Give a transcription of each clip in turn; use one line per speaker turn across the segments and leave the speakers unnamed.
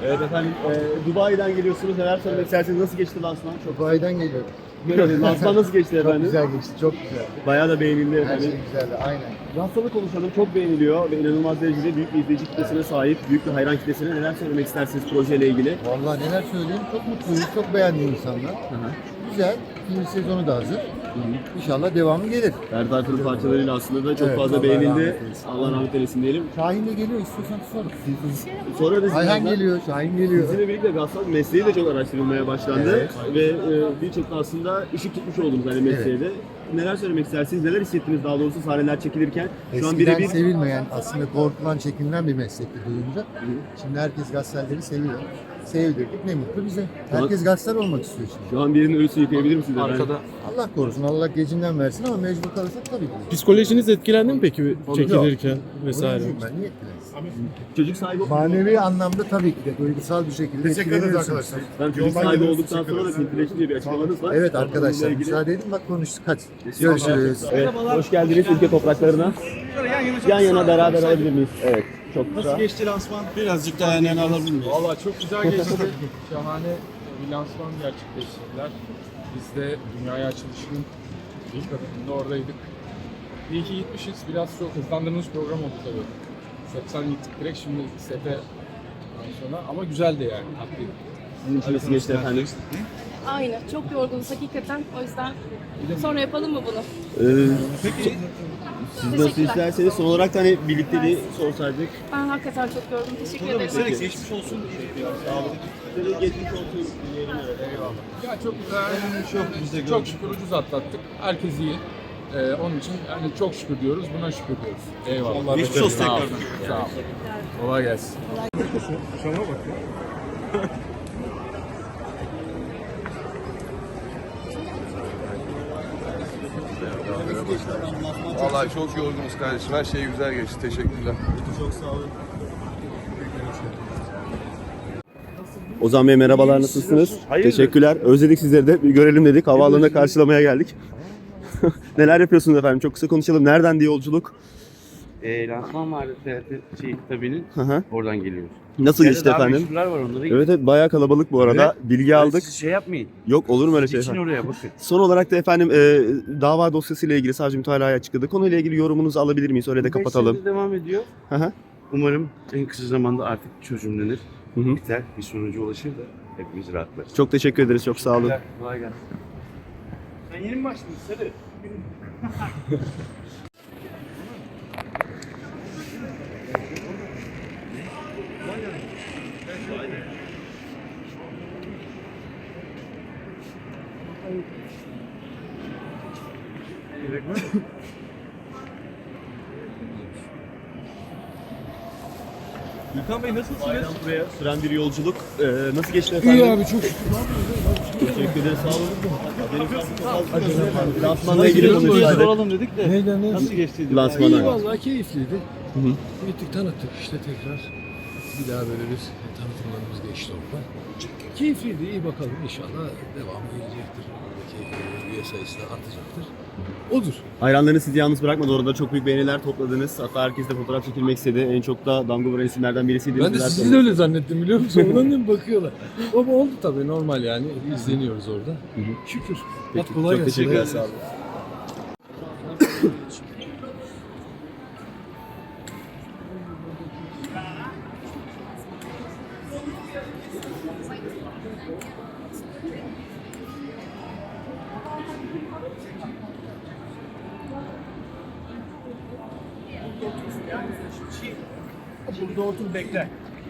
Evet efendim, Dubai'den geliyorsunuz. Neler söylemek isterseniz, nasıl geçti lansman?
Dubai'den geliyorum.
Görelim. Lansman nasıl geçti
Çok
efendim?
güzel geçti, çok güzel.
Bayağı da beğenildi
Her
efendim.
şey güzeldi, aynen.
Lansmanı konuşalım. Çok beğeniliyor ve inanılmaz derecede büyük bir izleyici kitlesine sahip, büyük bir hayran kitlesine. Neler söylemek istersiniz projeyle ilgili?
Vallahi neler söyleyeyim, çok mutluyuz, çok beğendi insanlar. Güzel, ikinci sezonu da hazır. İnşallah devamı gelir.
Ferdi Tayfur'un parçalarıyla aslında da çok
Evet,
fazla
Allah
beğenildi.
rahmet eylesin.
Allah rahmet eylesin diyelim.
Şahin de geliyor, istiyorsan sor.
Sonra da
Ayhan
sizlerden-
geliyor, Şahin geliyor.
Sizinle birlikte Gassal mesleği de çok araştırılmaya başlandı
Evet.
ve birçok da aslında ışık tutmuş oldunuz hani mesleğe de. Neler söylemek istersiniz? Neler hissettiniz daha doğrusu sahneler çekilirken? Şu an
Eskiden
birebir
sevilmeyen, aslında korkulan, çekinilen bir meslekti duyunca. Şimdi herkes gazeteleri seviyor. Sevdirdik, ne mutlu bize. Herkes gazeteler olmak istiyor şimdi.
şu an birinin ölüsünü yıkayabilir misiniz efendim?
Allah korusun, Allah gecinden versin ama mecbur kalırsak tabii ki.
Psikolojiniz etkilendi mi peki çekilirken vesaire?
Oyuncuyum ben, niye etkilensin?
Çocuk sahibi
Manevi anlamda tabii ki de duygusal bir şekilde etkileniyorsunuz.
Ben çocuk sahibi olduktan sonra da filtreşti diye bir açıklamanız var.
Evet
Bununla
arkadaşlar,
ilgili-
müsaade edin bak konuştuk. Hadi görüşürüz.
Evet, hoş geldiniz ülke topraklarına. Yan yana beraber alabilir miyiz? Evet, çok güzel.
Geçti lansman.
Birazcık daha yani alabilir miyiz?
Valla çok güzel geçti. Şahane bir lansman gerçekleştirdiler. Biz de dünyaya açılışının ilk adımında oradaydık. İyi ki gitmişiz. Biraz çok hızlandırılmış program oldu tabii. Setten gittik direkt şimdi sete sonra ama güzeldi yani. Haklıydı.
Sizin için nasıl geçti efendim?
Aynı. Çok yorgunuz hakikaten. O yüzden sonra yapalım mı bunu?
Peki siz nasıl
Teşekkürler.
isterseniz son olarak da hani birlikteliği sorsaydık.
Ben hakikaten çok yorgunum. Teşekkür ederim.
Geçmiş olsun.
Sağ olun. Size geçmiş olsun diyelim.
Ya çok güzel. Çok şükür ucuz atlattık. Herkes iyi. Onun için yani çok şükür diyoruz, buna şükür diyoruz. Eyvallah.
Geçmiş olsun
Sağ ol.
tekrar.
Sağ ol. Kolay gelsin.
Vallahi çok yorgunuz kardeşim. Her şey güzel geçti. Teşekkürler.
Çok sağ olun. Ozan Bey merhabalar, nasılsınız? Teşekkürler. Özledik sizleri de. Bir görelim dedik. Havaalanına karşılamaya geldik. Neler yapıyorsunuz efendim? Çok kısa konuşalım. Nereden diye yolculuk?
Lansman vardı tabinin.
Hı hı.
Oradan geliyoruz.
Nasıl geçti
Daha
efendim?
meşhurlar var onları.
Evet evet, bayağı kalabalık bu arada. Bilgi aldık.
Siz şey yapmayın.
Yok, olur mu öyle şey
İçin
efendim?
oraya bakın.
Son olarak da efendim dava dosyasıyla ilgili savcı mütalaya açıkladı. Konuyla ilgili yorumunuzu alabilir miyiz? Öyle de kapatalım.
5 senedir devam ediyor.
Hı hı.
Umarım en kısa zamanda artık çözümlenir.
Hı hı.
Biter. Bir sonuca ulaşır da hepimiz rahatlarız.
Çok teşekkür ederiz. Çok sağ olun.
Kolay gelsin. Sen yeni mi başladın Sarı?
Gülkan Bey nasılsınız? Buraya süren bir yolculuk. Nasıl geçti efendim?
İyi abi, çok şükür.
Teşekkür ederiz. Sağ olun. Lansmanla ilgili konuşsaydık.
Soralım dedik de.
Neyden
Nasıl geçtiydi?
İyi
Lansmana.
vallahi keyifliydi. Gittik tanıttık işte tekrar. Bir daha böyle bir tanıtımlarımız geçti orada. Keyifliydi, iyi bakalım inşallah devamı gelecektir. Buradaki üye sayısı da artacaktır. Odur.
Hayranlarınız sizi yalnız bırakmadı. Orada çok büyük beğeniler topladınız. Hatta herkes de fotoğraf çekilmek istedi. En çok da damga vuran isimlerden birisiydi.
Ben de sizi de öyle zannettim biliyor musun? Ondan da bakıyorlar. Ama oldu tabii, normal yani. İzleniyoruz orada. Şükür. Hadi kolay
Çok
gelsin.
teşekkürler. Sağ olun.
Burada otur bekle.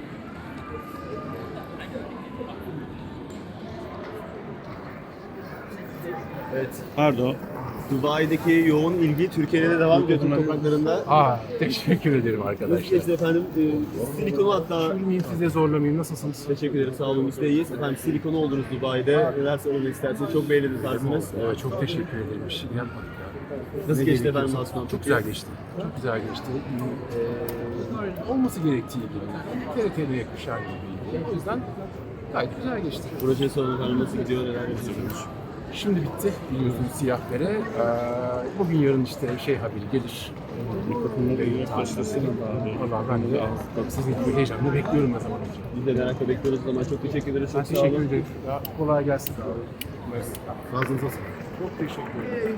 Evet.
Pardon.
Dubai'deki yoğun ilgi Türkiye'de de devam ediyor Türk topraklarında.
Teşekkür ederim
Nasıl
arkadaşlar.
geçti efendim? Silikonu hatta...
Üzülmeyeyim, size zorlamayayım. Nasılsınız?
Teşekkür ederim. Sağ olun. Biz de iyiyiz. Efendim silikonu oldunuz Dubai'de. Neler söylemek istersiniz? Çok beğenildi tarzınız.
Evet, çok teşekkür ederim. Bir şey yapmadık ya.
Nasıl
Ne
geçti
gerekiyorsa.
efendim lansman?
Çok güzel geçti. Çok güzel geçti. Olması gerektiği gibi. TRT'de yakışan gibiydi. O yüzden gayet güzel geçti.
Proje sorun efendim nasıl gidiyor? Neler yapıyorsunuz?
Şimdi bitti biliyorsunuz siyah bere. Bugün yarın işte haberi gelir. Mikrofonunu da başlasın. Valla ben de sizin gibi heyecanla bekliyorum ne zaman olacak.
Biz de merakla bekliyoruz o zaman. Çok teşekkür ederiz.
Ben
Çok sağ olun.
teşekkür ederim. Kolay gelsin abi.
Ağzınıza sağlık.
Çok teşekkür ederim.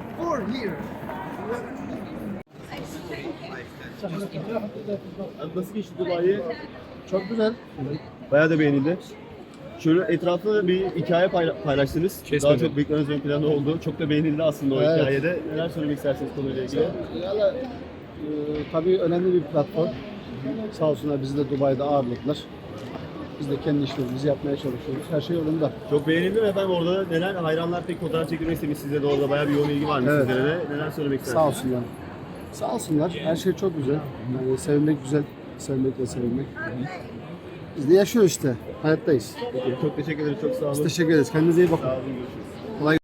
Nasıl geçti Dubai'ye?
Çok güzel.
Bayağı da beğenildi. Şöyle etrafında bir hikaye paylaştınız. Daha çok büyükleriniz ön planda oldu. Çok da beğenildi aslında o
Evet.
hikayede. Neler söylemek istersiniz konuyla ilgili?
Valla tabii önemli bir platform. Sağ olsunlar bizi de Dubai'de ağırladılar. Biz de kendi işlerimizi yapmaya çalışıyoruz. Her şey yolunda.
Çok beğenildi mi efendim? Orada neler hayranlar pek fotoğraf çekilmek istemiş sizde de orada bayağı bir yoğun ilgi varmış
Evet.
sizlere de. Neler söylemek istersiniz?
Sağ olsunlar. Sağ olsunlar. Her şey çok güzel. Yani sevmek güzel. Sevmek ve sevilmek. Biz de yaşıyoruz işte. Hayattayız.
Peki, çok teşekkür ederim. Çok sağ olun.
Biz teşekkür ederiz. Kendinize iyi bakın.
Sağ olun. Görüşürüz.